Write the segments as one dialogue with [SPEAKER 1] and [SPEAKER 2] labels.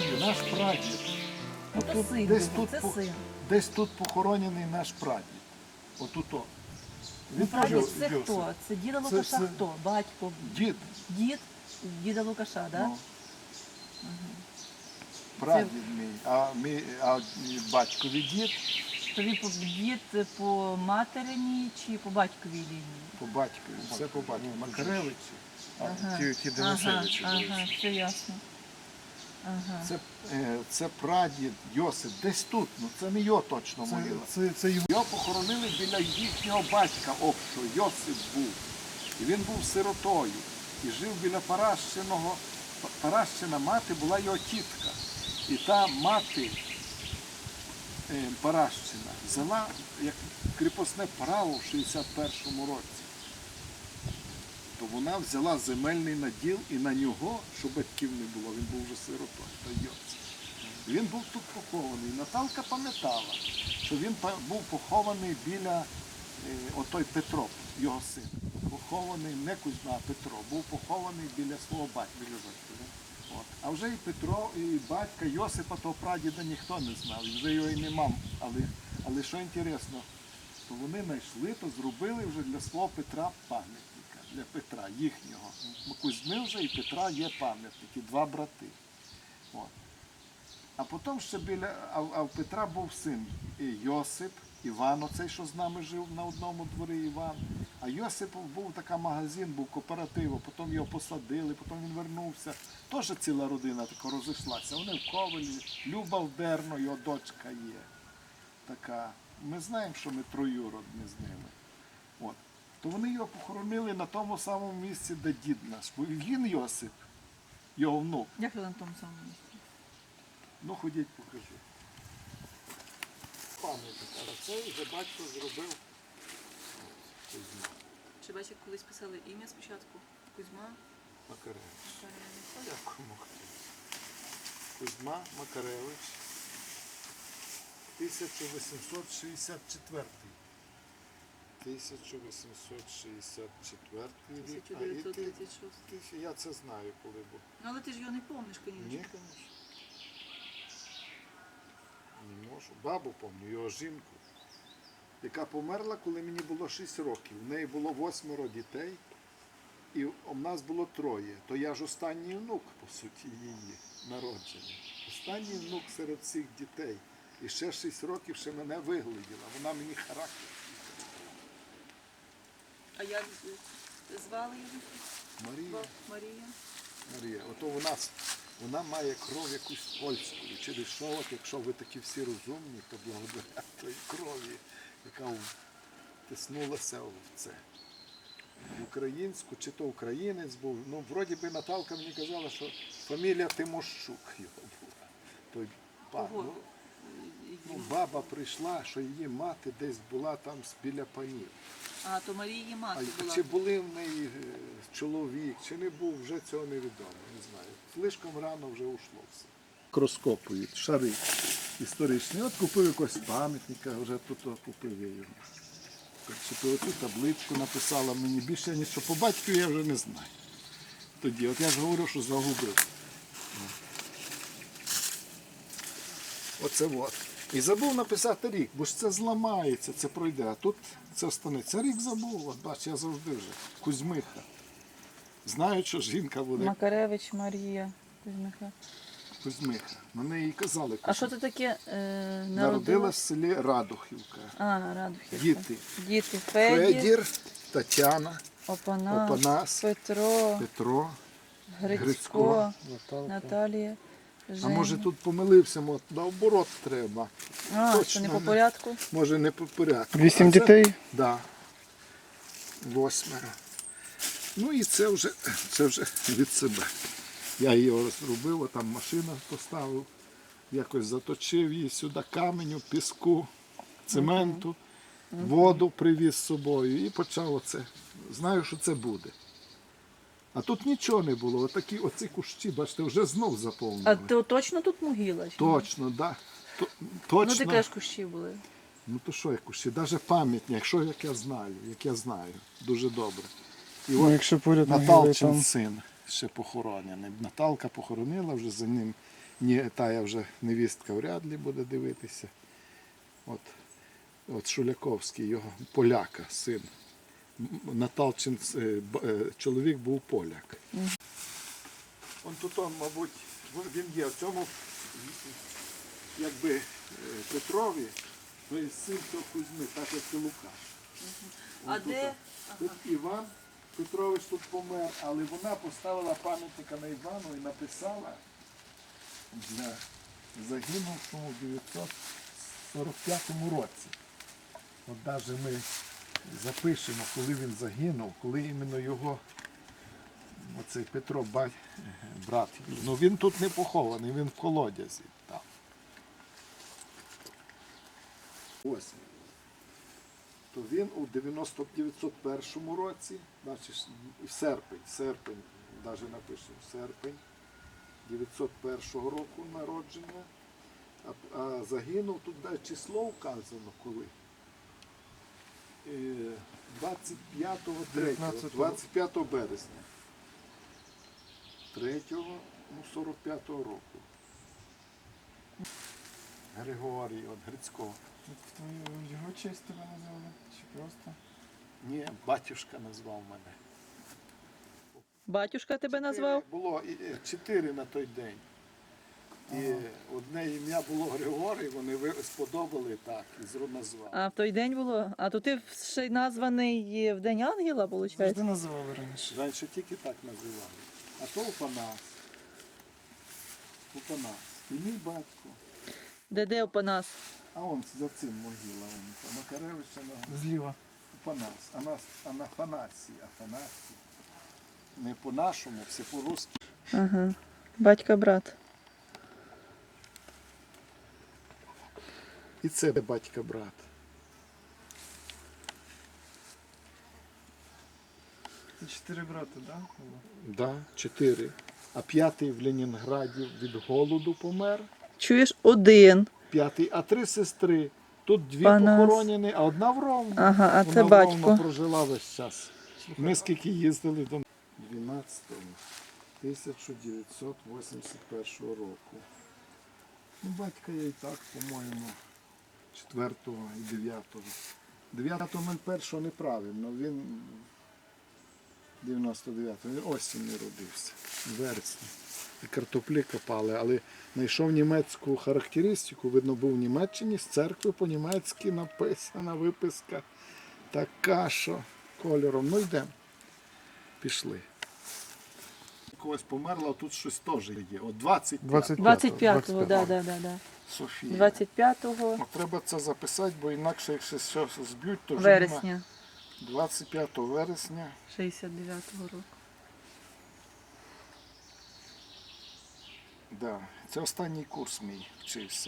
[SPEAKER 1] люди, наш прадід. Отут,
[SPEAKER 2] син
[SPEAKER 1] десь,
[SPEAKER 2] був,
[SPEAKER 1] тут,
[SPEAKER 2] це син.
[SPEAKER 1] десь тут похоронений наш прадід. Отут. Він теж
[SPEAKER 2] Прадід це
[SPEAKER 1] Йосип.
[SPEAKER 2] хто? Це діда Лукаша
[SPEAKER 1] це-
[SPEAKER 2] хто? Батько?
[SPEAKER 1] Дід.
[SPEAKER 2] Дід діда Лукаша, так?
[SPEAKER 1] Ну. Прадід а батькові дід
[SPEAKER 2] То він дід по материній чи по батьковій лінії?
[SPEAKER 1] по батькові. Все по батькові. Макаревичі.
[SPEAKER 2] Ага.
[SPEAKER 1] Ті Денисевичі.
[SPEAKER 2] Ага, все ясно. Ага.
[SPEAKER 1] Це прадід Йосип. Десь тут, ну це не його точно могила. Його похоронили біля їхнього батька общого. Йосип був. І він був сиротою. І жив біля Паращиного. Паращина мати була його тітка. І та мати Паращина взяла як кріпосне право в 61-му році. То вона взяла земельний наділ і на нього, щоб батьків не було, він був вже сиротою, то Йосип. Він був тут похований. Наталка пам'ятала, що він був похований біля отой Петро, його син. Похований не Кузьма, а Петро. Був похований біля свого батька. От. А вже і Петро, і батька Йосипа, того прадіда ніхто не знав. І вже його і нема. Але що інтересно, то вони знайшли, то зробили вже для свого Петра пам'ятника. Для Петра, їхнього. Кузьми вже і Петра є пам'ятники, два брати. От. А потім ще а в Петра був син Йосип, Іван, оцей, що з нами жив на одному дворі, Іван. А Йосип був такий магазин, був кооператив, потім його посадили, потім він вернувся. Теж ціла родина така розійшлася. Вони в Ковелі, Люба в Дерно, його дочка є. Така. Ми знаємо, що ми троюродні з ними. От. То вони його похоронили на тому самому місці, де дід наш. Бо він Йосип, його внук.
[SPEAKER 2] Як ви на тому самому місці?
[SPEAKER 1] Ну, ходіть, покажу. Пам'ятник, а це вже батько зробив Кузьма
[SPEAKER 2] Чи бачите, колись писали ім'я спочатку? Кузьма?
[SPEAKER 1] Макаревич. А як кому? Кузьма Макаревич. 1864. 1864 рік.
[SPEAKER 2] 1936.
[SPEAKER 1] Я це знаю, коли був.
[SPEAKER 2] Ну, але ти ж його не пам'ятаєш,
[SPEAKER 1] Ні,
[SPEAKER 2] звісно.
[SPEAKER 1] звісно. Не можу. Бабу пам'ятаю, його жінку, яка померла, коли мені було 6 років. У неї було 8 дітей, і у нас було 3. То я ж останній внук, по суті, її народження. Останній внук серед всіх дітей. І ще 6 років ще мене вигляділа. Вона мені характер.
[SPEAKER 2] А як звали її?
[SPEAKER 1] Марія.
[SPEAKER 2] Марія.
[SPEAKER 1] Марія. Ото вона має кров якусь польську. І через що, от, якщо ви такі всі розумні, то благодаря тої крові, яка втиснулася в це. В українську, чи то українець був. Ну, вроді би Наталка мені казала, що фамілія Тимощук його була. Той пан. Ну, баба прийшла, що її мати десь була там біля панів.
[SPEAKER 2] А, то Марії мати була.
[SPEAKER 1] Чи були в неї чоловік, чи не був, вже цього невідомо, не знаю. Слишком рано вже ушло все. Розкопують шари історичні. От купив якогось пам'ятника, вже тут купив я його. Оцю табличку написала мені, більше нічого по батьку я вже не знаю. Тоді, от я ж говорю, що загубив. Оце от. І забув написати рік, бо ж це зламається, це пройде. А тут це останеться. Рік забув, от бач, я завжди вже. Кузьмиха. Знаю, що жінка буде.
[SPEAKER 2] Макаревич Марія Кузьмиха.
[SPEAKER 1] Кузьмиха. На неї казали Кузьмиха.
[SPEAKER 2] А що це таке
[SPEAKER 1] Народилась в селі Радухівка.
[SPEAKER 2] А, Радухівка.
[SPEAKER 1] Діти.
[SPEAKER 2] Діти. Федір,
[SPEAKER 1] Тетяна,
[SPEAKER 2] Опанас,
[SPEAKER 1] Петро,
[SPEAKER 2] Грицько, Наталія.
[SPEAKER 1] А
[SPEAKER 2] Женя.
[SPEAKER 1] може тут помилився, наоборот треба.
[SPEAKER 2] А,
[SPEAKER 1] Точно
[SPEAKER 2] що не по порядку?
[SPEAKER 1] Може не по порядку.
[SPEAKER 3] 8 дітей?
[SPEAKER 1] Так. Да. 8. Ну і це вже від себе. Я його розробив, там машину поставив, якось заточив її сюди каменю, піску, цементу, воду привіз з собою і почав оце. Знаю, що це буде. А тут нічого не було. Оці кущі, бачите, вже знов заповнили.
[SPEAKER 2] А то точно тут могила? Чи ні?
[SPEAKER 1] Точно, так. Да. Точно.
[SPEAKER 2] Ну, ти кажеш, кущі були.
[SPEAKER 1] Ну то що як кущі? Навіть пам'ятні, як я знаю, дуже добре. І
[SPEAKER 3] Ну,
[SPEAKER 1] от
[SPEAKER 3] якщо поряд могили
[SPEAKER 1] Наталчин
[SPEAKER 3] там.
[SPEAKER 1] син ще похоронений. Наталка похоронила, вже за ним Ні, тая вже невістка вряд ли буде дивитися. От Шуляковський, його поляка, син. Наталчин чоловік був поляк. Он тут, мабуть, він є в цьому, якби Петрові, то є син цього Кузьми, так як і Лука.
[SPEAKER 2] А
[SPEAKER 1] Он
[SPEAKER 2] де?
[SPEAKER 1] Тут Іван Петрович тут помер, але вона поставила пам'ятника на Івану і написала для загинувшому в 945 році. От навіть ми запишемо, коли він загинув, коли іменно його, оцей Петро, брат, ну він тут не похований, він в колодязі там. Ось. То він у 901 році, значить серпень, навіть напишемо, серпень 901 року народження, а загинув, тут навіть число вказано коли. 25 березня. 45-го року. Григорій, от Грицького.
[SPEAKER 3] Його честь тебе назвали? Чи просто?
[SPEAKER 1] Ні, батюшка назвав мене.
[SPEAKER 2] Батюшка тебе назвав?
[SPEAKER 1] Було 4 на той день. І одне ім'я було Григорій, вони сподобали так, і назвали.
[SPEAKER 2] А в той день було? А то ти ще й названий в День Ангела, виходить?
[SPEAKER 3] Завжди називали раніше.
[SPEAKER 1] Раніше тільки так називали. А то Опанас. Опанас. І мій батько.
[SPEAKER 2] Де Опанас?
[SPEAKER 1] А он за цим могила. Он, Макаревича на
[SPEAKER 3] Зліва.
[SPEAKER 1] Опанас. Афанасій. Не по-нашому, все по-русски.
[SPEAKER 2] Ага. Батька-брат.
[SPEAKER 1] І це батька-брат.
[SPEAKER 3] Це 4 брати, так? Да? було?
[SPEAKER 1] Да, 4. А 5-й в Ленінграді від голоду помер.
[SPEAKER 2] Чуєш, один.
[SPEAKER 1] 5-й, а 3 сестри. Тут 2
[SPEAKER 2] Панас.
[SPEAKER 1] похоронені, а одна в Ровно.
[SPEAKER 2] Ага, а
[SPEAKER 1] Вона
[SPEAKER 2] це
[SPEAKER 1] в
[SPEAKER 2] батько.
[SPEAKER 1] Ровно прожила весь час. Ми скільки їздили до 12-го 1981 року. Ну, батька я і так, по-моєму, 4-го і 9-го. 9-го неправильно, він 99-го, він осінню родився, в вересні. І картоплі копали, але знайшов німецьку характеристику, видно, був в Німеччині, з церкви по-німецьки написана виписка. Така, що кольором. Ну йдемо. Пішли. Когось померла, а тут щось теж є. От
[SPEAKER 2] 25-го, да.
[SPEAKER 1] Софія.
[SPEAKER 2] 25
[SPEAKER 1] От треба це записати, бо інакше, якщо щось зб'ють, то вже
[SPEAKER 2] вересня
[SPEAKER 1] 25 вересня.
[SPEAKER 2] 69-го року.
[SPEAKER 1] Да. Це останній курс мій вчився.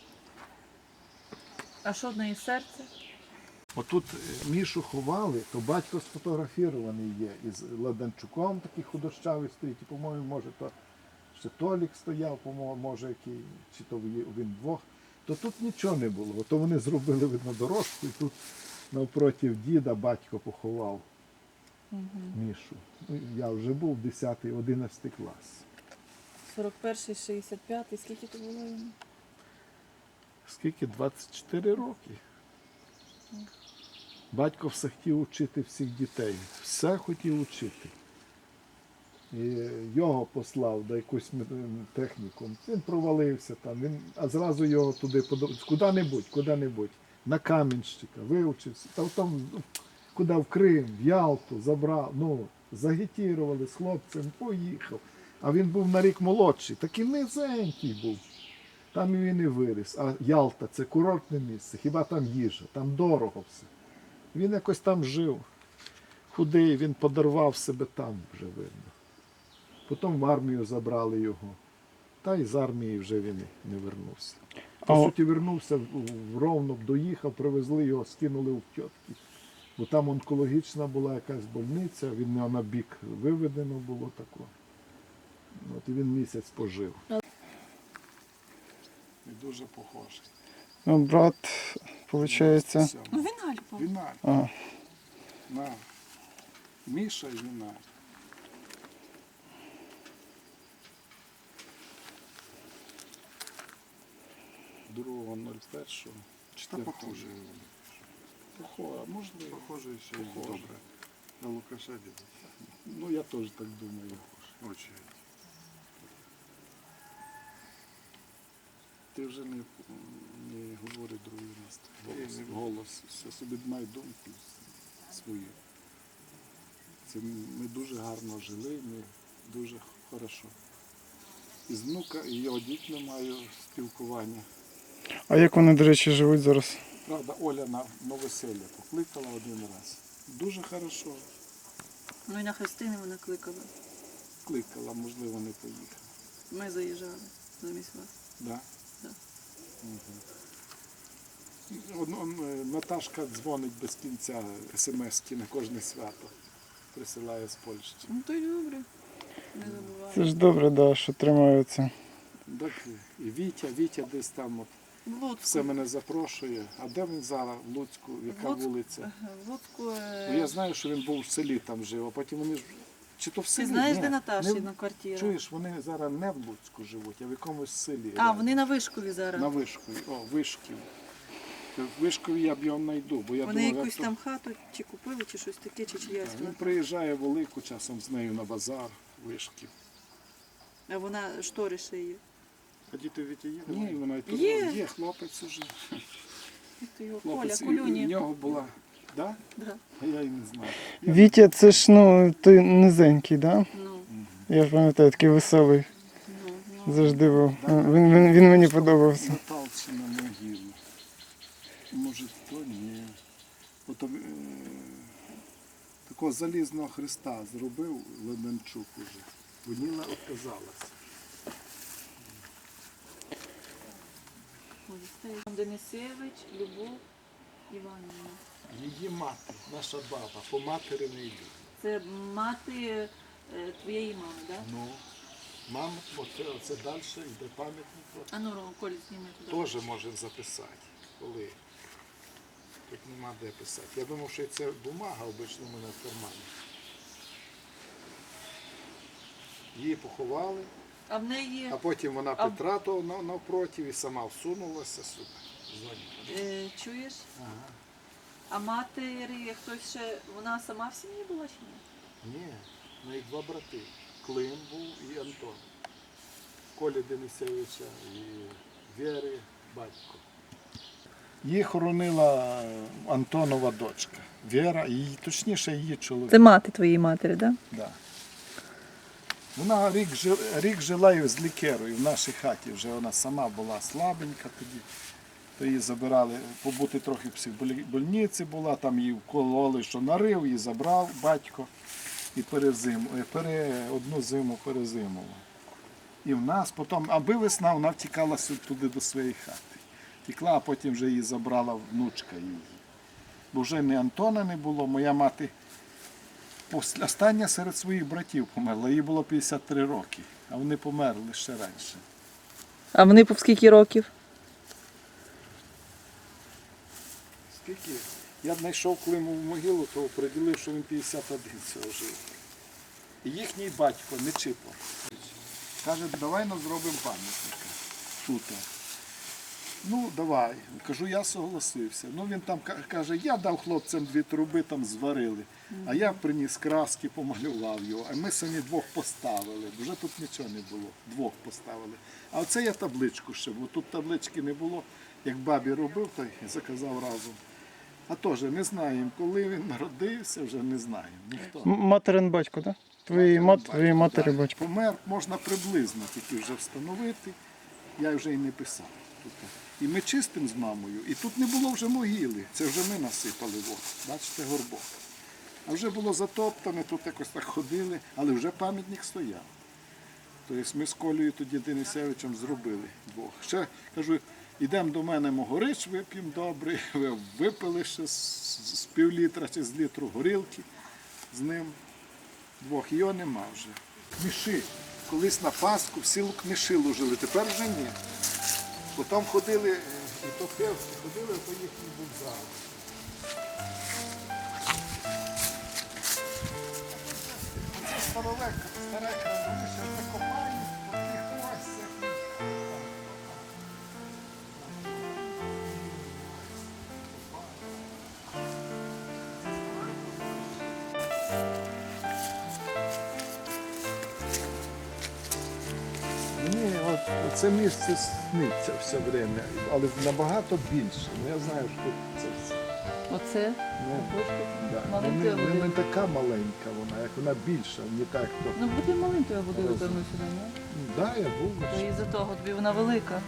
[SPEAKER 2] А що в неї серце?
[SPEAKER 1] Отут Мішу ховали, то батько сфотографірований є. Із Ладанчуком такий худощавий стоїть. І, по-моєму, може, то ще Толік стояв, по-моєму, може, який, чи то він двох. То тут нічого не було. То вони зробили, видно, дорожку, і тут навпроти діда батько поховав Мішу. Ну, я вже був 10-11 клас.
[SPEAKER 2] 41-й, 65-й, скільки то було йому?
[SPEAKER 1] Скільки? 24 роки. Батько все хотів вчити всіх дітей. Все хотів вчити. І його послав до якусь техніку. Він провалився там, а зразу його туди куди-небудь, на Кам'янщика, вивчився. Там, куди в Крим, в Ялту забрав, загітірували з хлопцем, поїхав. А він був на рік молодший, такий низенький був. Там і він і виріс. А Ялта – це курортне місце, хіба там їжа, там дорого все. Він якось там жив. Худий, він подарував себе там, вже видно. Потім в армію забрали його. Та й з армії вже він не вернувся. По суті, вернувся в Ровно, доїхав, привезли його, скинули в тітки. Бо там онкологічна була якась больниця, він на бік виведено було тако. От і він місяць пожив. І дуже похожий.
[SPEAKER 3] Ну, брат, виходить.
[SPEAKER 2] Ну, Віналь був.
[SPEAKER 1] Віналь.
[SPEAKER 3] А,
[SPEAKER 1] На. Міша і Віналь.
[SPEAKER 4] 2.01.
[SPEAKER 1] Чи та похоже?
[SPEAKER 4] Похоже, а можливо.
[SPEAKER 1] Похоже і все
[SPEAKER 4] Похоже.
[SPEAKER 1] добре. На Лукаша діду.
[SPEAKER 4] Ну, я теж так думаю.
[SPEAKER 1] Очі.
[SPEAKER 4] Ти вже не говори другий раз.
[SPEAKER 1] Ні, не
[SPEAKER 4] Голос. Все собі май думку свою. Це ми дуже гарно жили, ми дуже хорошо. І з внука, і його дітьми маю спілкування.
[SPEAKER 3] А як вони, до речі, живуть зараз?
[SPEAKER 4] Правда, Оля на новоселля покликала один раз. Дуже хорошо.
[SPEAKER 2] Ну і на хрестини мене кликали.
[SPEAKER 4] Кликала, можливо, не поїхала.
[SPEAKER 2] Ми заїжджали замість вас.
[SPEAKER 4] Да?
[SPEAKER 2] Да.
[SPEAKER 4] Наташка дзвонить без кінця смс-ки на кожне свято. Присилає з Польщі.
[SPEAKER 2] Ну то й добре. Не забувай.
[SPEAKER 3] Це ж добре, да, що тримаються.
[SPEAKER 4] Так, і Вітя десь там от,
[SPEAKER 2] В Луцьку.
[SPEAKER 4] все мене запрошує. А де він зараз? В Луцьку? Яка
[SPEAKER 2] Луцьк-
[SPEAKER 4] вулиця?
[SPEAKER 2] В Луцьку.
[SPEAKER 4] Ну, я знаю, що він був в селі там жив, а потім вони ж. Чи то в селі?
[SPEAKER 2] Ти знаєш,
[SPEAKER 4] Ні,
[SPEAKER 2] де
[SPEAKER 4] не
[SPEAKER 2] Наташина квартира?
[SPEAKER 4] Чуєш, вони зараз не в Луцьку живуть, а в якомусь селі.
[SPEAKER 2] А, вони на Вишкові зараз.
[SPEAKER 4] На Вишкові. О, Вишків. В Вишкові я б його знайду, бо я
[SPEAKER 2] Вони
[SPEAKER 4] думав,
[SPEAKER 2] якусь
[SPEAKER 4] як
[SPEAKER 2] там хату чи купили, чи щось таке, чи чиясь
[SPEAKER 4] Він
[SPEAKER 2] вона.
[SPEAKER 4] приїжджає велику часом з нею на базар, Вишків.
[SPEAKER 2] А вона штори шиє.
[SPEAKER 1] А діти в Віті є?
[SPEAKER 4] Ні, вона й
[SPEAKER 2] Є.
[SPEAKER 4] хлопець уже.
[SPEAKER 2] Як то його? Коля,
[SPEAKER 4] Хлопець, і в
[SPEAKER 2] Кулюні.
[SPEAKER 4] нього була. Да?
[SPEAKER 2] Да.
[SPEAKER 4] А я й не знаю.
[SPEAKER 3] Вітя, це ж ну, той низенький, да?
[SPEAKER 2] Ну,
[SPEAKER 3] Я пам'ятаю, такий веселий.
[SPEAKER 2] ну.
[SPEAKER 3] Завжди був. Він мені подобався.
[SPEAKER 4] Наталці на могилу. Може, то ні. Ото, такого залізного хреста зробив Леменчук уже. Воніла отказалася.
[SPEAKER 2] Ой, стоїть. Денисевич, Любов Іванівна.
[SPEAKER 4] Її мати, наша баба, по матері не йде.
[SPEAKER 2] Це мати твоєї мами, так? Да?
[SPEAKER 4] Ну, мама, оце далі йде пам'ятник. от.
[SPEAKER 2] А ну, Коль, зніми туди.
[SPEAKER 4] Теж можемо записати. Коли? Тут нема де писати. Я думав, що це бумага обично в мене в кармані. Її поховали,
[SPEAKER 2] А в неї
[SPEAKER 4] а потім вона
[SPEAKER 2] А-
[SPEAKER 4] Петра то навпроти і сама всунулася сюди. Дзвонить.
[SPEAKER 2] чуєш?
[SPEAKER 4] Ага.
[SPEAKER 2] А матері хтось ще, вона сама в сім'ї була чи ні?
[SPEAKER 4] Ні, в неї два брати. Клим був і Антон. Колі Денисевича і Вєри батько. Її хоронила Антонова дочка. Віра, точніше її чоловік.
[SPEAKER 2] Це мати твоєї матері, так? Да?
[SPEAKER 4] Да. Вона рік жила і з лікерою в нашій хаті. Вже вона сама була слабенька тоді. То її забирали, побути трохи в психбольниці була, там її вкололи, що нарив, її забрав батько і одну зиму перезимувала. І в нас потім, аби весна, вона втікала туди до своєї хати. Втекла, а потім вже її забрала внучка її. Бо вже ні Антона не було, моя мати остання серед своїх братів померла, їй було 53 роки, а вони померли ще раніше.
[SPEAKER 2] А вони по скільки років?
[SPEAKER 4] Скільки? Я знайшов Климову могилу, то приділив, що він 51 цього жив. І їхній батько, Нечипо, каже, давай нам зробимо пам'ятника тут. Ну, давай. Кажу, я согласився. Ну, він там каже, я дав хлопцям 2 труби, там зварили. А я приніс краски, помалював його. А ми самі 2 поставили. Вже тут нічого не було. 2 поставили. А оце я табличку ще, бо тут таблички не було. Як бабі робив, то й заказав разом. А теж не знаємо, коли він народився, вже не знаємо. Ніхто.
[SPEAKER 3] Материн батько, так? Твоєї матері батько.
[SPEAKER 4] Помер можна приблизно тільки вже встановити. Я вже й не писав. І ми чистимо з мамою, і тут не було вже могили. Це вже ми насипали. Бачите, горбок. А вже було затоптане, тут якось так ходили, але вже пам'ятник стояв. Тобто ми з Колею тоді Денисевичем зробили 2. Ще, кажу, ідемо до мене могорич, вип'ємо добре. Ви випили ще з півлітра чи з літру горілки з ним 2. Його нема вже. Книши. Колись на Пасху всі книши ложили, тепер вже ні. Потім ходили, і топевці, ходили по їхній вокзал. Це старовека, стара крана, ще закопають, по тих осях.
[SPEAKER 1] це місце сниться все время, але набагато більше. Ну, я знаю, що це все.
[SPEAKER 2] Оце?
[SPEAKER 1] Ну, да.
[SPEAKER 2] Маленькою
[SPEAKER 1] Не
[SPEAKER 2] водою.
[SPEAKER 1] така маленька вона, як вона більша, не так, то.
[SPEAKER 2] Ну буде маленькою водою
[SPEAKER 1] Розумію.
[SPEAKER 2] вернув сюди, ні?
[SPEAKER 1] Да, я був.
[SPEAKER 2] То із-за того тобі вона велика.